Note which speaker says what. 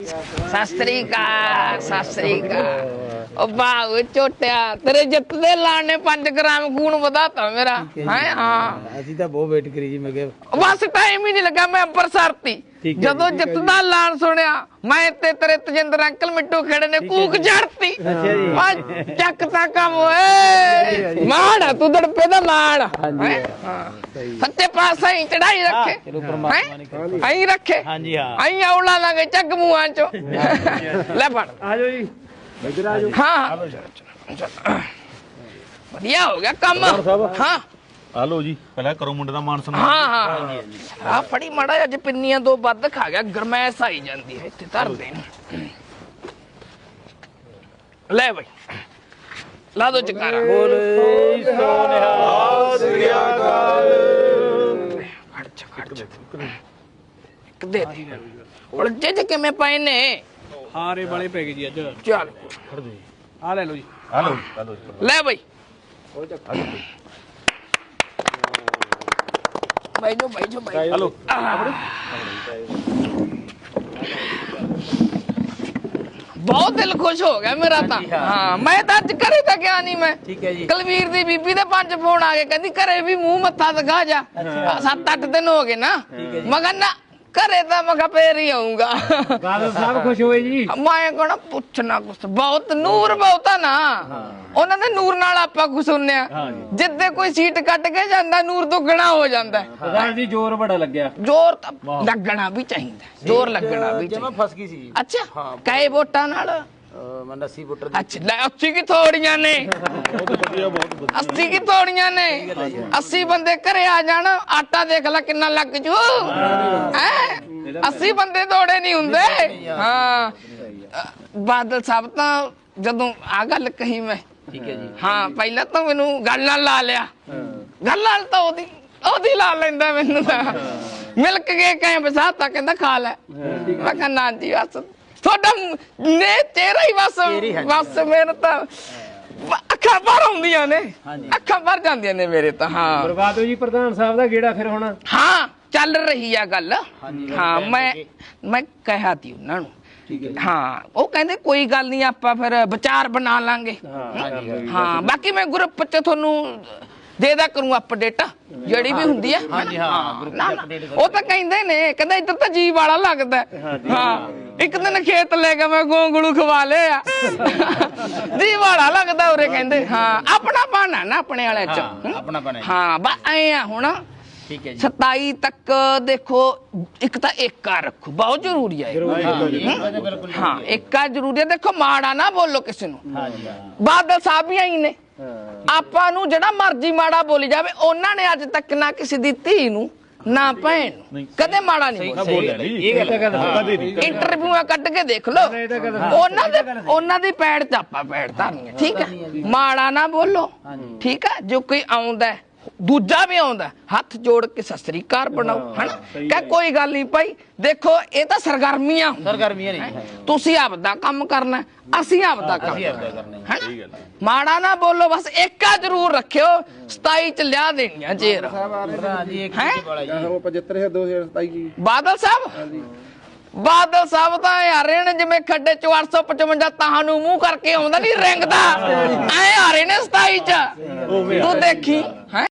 Speaker 1: ਸਤਿ ਸ੍ਰੀ ਅਕਾਲ ਸਤਿ ਸ੍ਰੀ ਅਕਾਲ। ਉਹ ਬਾਹੂ ਝੋਟਿਆ ਤੇਰੇ ਜਿੱਤ ਦੇ ਲਾਣ ਨੇ 5 ਗ੍ਰਾਮ ਖੂਨ ਵਧਾਤਾ ਮੇਰਾ ਹੈ। ਹਾਂ
Speaker 2: ਅਸੀਂ ਤਾਂ ਬਹੁਤ ਵੇਟ ਕਰੀ ਜੀ। ਮੈਂ ਕਿਹਾ
Speaker 1: ਬਸ ਟਾਈਮ ਹੀ ਨਹੀਂ ਲੱਗਾ। ਮੈਂ ਅੰਬਰਸਰ ਤੀ ਜਦੋਂ ਜਿੱਤ ਦਾ ਐਲਾਨ ਸੁਣਿਆ ਮੈਂ ਤੇ ਤੇਰੇ ਤਜਿੰਦਰ ਅੰਕਲ ਮਿੱਟੂ ਖੜੇ ਨੇ ਕੂਕ ਝੜਤੀ। ਚੱਕ ਤਾਂ ਕੰਮ ਓਏ ਮਾਣ ਤੂੰ ਦੜਪੇ ਦਾ ਮਾਣ ਸੱਚੇ ਪਾਤਸ਼ਾਹ ਹੀ ਚੜਾਈ ਰੱਖੇ।
Speaker 2: ਚਲੋ ਪਰਮਾਤਮਾ ਨੇ
Speaker 1: ਆਈ ਰੱਖੇ।
Speaker 2: ਹਾਂਜੀ ਹਾਂ
Speaker 1: ਆਈ ਔਲਾ ਲਾਂਗੇ ਚੱਕ ਮੂੰਹਾਂ ਚੋਂ ਲੈ ਫੜ
Speaker 2: ਆ ਜਾਓ ਜੀ ਇੱਧਰ ਆ ਜਾਓ।
Speaker 1: ਹਾਂ ਵਧੀਆ ਹੋ ਗਿਆ ਕੰਮ। ਹਾਂ
Speaker 3: ਆ ਲੋ ਜੀ ਪਹਿਲਾਂ ਕਰੋ ਮੁੰਡੇ ਦਾ ਮਾਨ ਸਨਮਾਨ।
Speaker 1: ਹਾਂ ਹਾਂ ਆ ਫੜੀ ਮਾੜਾ ਅੱਜ ਪਿੰਨੀਆਂ ਦੋ ਵੱਧ ਖਾ ਗਿਆ ਗਰਮੈਸ਼ ਆਈ ਜਾਂਦੀ ਹੈ ਇੱਥੇ ਧਰ ਦੇ ਲੈ ਬਈ ਲਾ ਦੋ ਚਕਾਰਾ
Speaker 2: ਬੋਲੇ ਸੋਨਿਹਾਲ ਸ੍ਰੀ ਅਕਾਲ।
Speaker 1: ਖੜ ਦੇ ਉਲਝੇ ਜੇ ਕਿਵੇਂ ਪਏ ਨੇ
Speaker 2: ਹਾਰੇ ਵਾਲੇ ਪੈ ਗਏ ਜੀ ਅੱਜ।
Speaker 1: ਚੱਲ
Speaker 2: ਆ ਲੈ ਲਓ ਜੀ।
Speaker 3: ਆ ਲੋ
Speaker 1: ਲੈ ਬਈ ਬਾਈ
Speaker 3: ਆ ਲੋ
Speaker 1: ਬਹੁਤ ਦਿਲ ਖੁਸ਼ ਹੋ ਗਿਆ ਮੇਰਾ ਤਾਂ। ਹਾਂ ਮੈਂ ਤਾਂ ਅੱਜ ਘਰੇ ਤਾਂ ਗਿਆ ਨਹੀਂ। ਮੈਂ
Speaker 2: ਠੀਕ ਹੈ ਜੀ।
Speaker 1: ਕੁਲਵੀਰ ਦੀ ਬੀਬੀ ਦੇ 5 ਫੋਨ ਆ ਗਏ ਕਹਿੰਦੀ ਘਰੇ ਵੀ ਮੂੰਹ ਮੱਥਾ ਦਿਖਾ ਜਾ। 7-8 ਦਿਨ ਹੋ ਗਏ ਨਾ। ਮਗਰ ਨਾ ਘਰੇ ਤਾਂ ਮੈਂ ਫੇਰ ਹੀ ਆਉਂਗਾ।
Speaker 2: ਬਾਦਲ ਸਾਹਿਬ ਖੁਸ਼ ਹੋਏ ਜੀ।
Speaker 1: ਮੈਂ ਕਹਣਾ ਪੁੱਛਣਾ ਕੁਛ ਬਹੁਤ ਨੂਰ ਬਹੁਤਾ ਨਾ ਉਹਨਾਂ ਦੇ ਨੂਰ ਨਾਲ ਆਪਾਂ ਕੁਛ ਸੁਣਿਆ। ਜਿੱਦੇ ਕੋਈ ਸੀਟ ਕੱਟ ਕੇ ਜਾਂਦਾ ਨੂਰ ਦੁੱਗਣਾ ਹੋ ਜਾਂਦਾ।
Speaker 2: ਪ੍ਰਧਾਨ ਜੀ ਜ਼ੋਰ ਬੜਾ ਲੱਗਿਆ।
Speaker 1: ਜ਼ੋਰ ਤਾਂ ਲੱਗਣਾ ਵੀ ਚਾਹੀਦਾ। ਜ਼ੋਰ ਲੱਗਣਾ ਵੀ ਚਾਹੀਦਾ।
Speaker 2: ਮੈਂ ਫਸ ਗਈ ਸੀ।
Speaker 1: ਅੱਛਾ ਕਈ ਵੋਟਾਂ ਨਾਲ
Speaker 2: ਮੈਂ 80 ਵੋਟਰ
Speaker 1: ਅੱਛਾ ਲੈ 80 ਕੀ ਥੋੜੀਆਂ ਨੇ। 80 ਕੀ ਥੋੜੀਆਂ ਨੇ। 80 ਬੰਦੇ ਘਰੇ ਆ ਜਾਣ ਆਟਾ ਦੇਖ ਲੈ ਕਿੰਨਾ ਲੱਗ ਜੂ ਹੈ। 80 ਬੰਦੇ ਥੋੜੇ ਨਹੀਂ ਹੁੰਦੇ। ਹਾਂ ਬਾਦਲ ਸਾਹਿਬ ਤਾਂ ਜਦੋਂ ਆ ਗੱਲ ਕਹੀ ਮੈਂ
Speaker 2: ਠੀਕ ਹੈ ਜੀ।
Speaker 1: ਹਾਂ ਪਹਿਲਾਂ ਤਾਂ ਮੈਨੂੰ ਗੱਲ ਨਾਲ ਲਾ ਲਿਆ। ਗੱਲ ਨਾਲ ਤਾਂ ਉਹਦੀ ਲਾ ਲੈਂਦਾ ਮੈਨੂੰ ਤਾਂ ਮਿਲ ਕੇ ਕਹੇ ਬਸਾਤਾ ਕਹਿੰਦਾ ਖਾ ਲੈ। ਮੈਂ ਕਿਹਾ ਨਾ ਜੀ ਬਸ ਤੁਹਾਡਾ ਨੇ ਤੇਰਾ ਹੀ ਬਸ ਮੇਰੇ ਤਾਂ ਅੱਖਾਂ ਭਰ ਆਉਂਦੀਆਂ ਨੇ। ਅੱਖਾਂ ਭਰ ਜਾਂਦੀਆਂ ਨੇ ਮੇਰੇ ਤਾਂ। ਹਾਂ
Speaker 2: ਬਰਬਾਦ ਹੋ ਜੀ ਪ੍ਰਧਾਨ ਸਾਹਿਬ ਦਾ ਗੇੜਾ ਫਿਰ ਹੁਣ।
Speaker 1: ਹਾਂ ਚੱਲ ਰਹੀ ਆ ਗੱਲ। ਹਾਂ ਮੈਂ ਕਿਹਾ ਤੀ ਉਹਨਾਂ ਨੂੰ। ਹਾਂ ਉਹ ਕਹਿੰਦੇ ਕੋਈ ਗੱਲ ਨਹੀਂ ਆਪਾਂ ਫਿਰ ਵਿਚਾਰ ਬਣਾ ਲਾਂਗੇ। ਹਾਂ ਬਾਕੀ ਮੈਂ ਗਰੁੱਪ ਚ ਤੁਹਾਨੂੰ ਦੇ ਦਾ ਕਰੂੰ ਅਪਡੇਟ ਜਿਹੜੀ ਵੀ ਹੁੰਦੀ ਆ। ਉਹ ਤਾਂ ਕਹਿੰਦੇ ਨੇ ਕਹਿੰਦਾ ਇੱਧਰ ਤਾਂ ਜੀਵ ਵਾਲਾ ਲੱਗਦਾ। ਹਾਂ ਇੱਕ ਦਿਨ ਖੇਤ ਲੈ ਕੇ ਮੈਂ ਗੋਂਗਲੂ ਖਵਾ ਲਿਆ ਜੀਵ ਵਾਲਾ ਲੱਗਦਾ ਉਰੇ ਕਹਿੰਦੇ। ਹਾਂ ਆਪਣਾ ਬਣਾ ਨਾ ਆਪਣੇ ਵਾਲੇ ਚ
Speaker 2: ਆਪਣਾ ਬਣਾ।
Speaker 1: ਹਾਂ ਬਸ ਐ ਆ ਹੁਣ।
Speaker 2: ਠੀਕ ਹੈ ਜੀ।
Speaker 1: 27 ਤੱਕ ਦੇਖੋ ਇੱਕ ਤਾਂ ਏਕਾ ਰੱਖੋ ਬਹੁਤ ਜ਼ਰੂਰੀ ਹੈ। ਹਾਂ ਏਕਾ ਜ਼ਰੂਰੀ ਹੈ। ਦੇਖੋ ਮਾੜਾ ਨਾ ਬੋਲੋ ਕਿਸੇ ਨੂੰ। ਬਾਦਲ ਸਾਹਿਬ ਵੀ ਆਈ ਨੇ ਆਪਾਂ ਨੂੰ ਜਿਹੜਾ ਮਰਜ਼ੀ ਮਾੜਾ ਬੋਲੀ ਜਾਵੇ ਉਹਨਾਂ ਨੇ ਅੱਜ ਤੱਕ ਨਾ ਕਿਸੇ ਦੀ ਧੀ ਨੂੰ ਨਾ ਭੈਣ ਨੂੰ ਕਦੇ ਮਾੜਾ ਨਹੀਂ ਬੋਲਿਆ। ਇੰਟਰਵਿਊਆਂ ਕੱਢ ਕੇ ਦੇਖ ਲਓ ਉਹਨਾਂ ਦੀ ਪੈੜ ਚ ਆਪਾਂ ਪੈੜ ਧਰਨੀ ਹੈ। ਠੀਕ ਹੈ ਮਾੜਾ ਨਾ ਬੋਲੋ। ਠੀਕ ਹੈ ਜੋ ਕੋਈ ਆਉਂਦਾ ਦੂਜਾ ਵੀ ਆਉਂਦਾ ਹੱਥ ਜੋੜ ਕੇ ਸਤਿ ਸ੍ਰੀ ਅਕਾਲ ਬਣਾਓ ਹਨਾ ਕਹ ਕੋਈ ਗੱਲ ਨਹੀਂ ਭਾਈ। ਦੇਖੋ ਇਹ ਤਾਂ ਸਰਗਰਮੀਆਂ
Speaker 2: ਨਹੀਂ।
Speaker 1: ਤੁਸੀਂ ਆਪਦਾ ਕੰਮ ਕਰਨਾ ਅਸੀਂ ਆਪਦਾ ਕੰਮ ਕਰਨਾ। ਮਾੜਾ ਨਾ ਬੋਲੋ ਬਸ ਏਕਾ ਜ਼ਰੂਰ ਰੱਖਿਓ। 27 ਚ ਲਿਆ ਦੇਣੀਆਂ ਜੇਰ ਬਾਦਲ ਸਾਹਿਬ ਤਾਂ ਆ ਰਹੇ ਨੇ ਜਿਵੇਂ ਖੱਡੇ ਚ 855 ਤਾਹਾਂ ਨੂੰ ਮੂੰਹ ਕਰਕੇ ਆਉਂਦਾ ਨੀ ਰਿੰਗਦਾ ਐ ਆ ਰਹੇ ਨੇ 27 ਚ ਤੂੰ ਦੇਖੀ ਹੈ।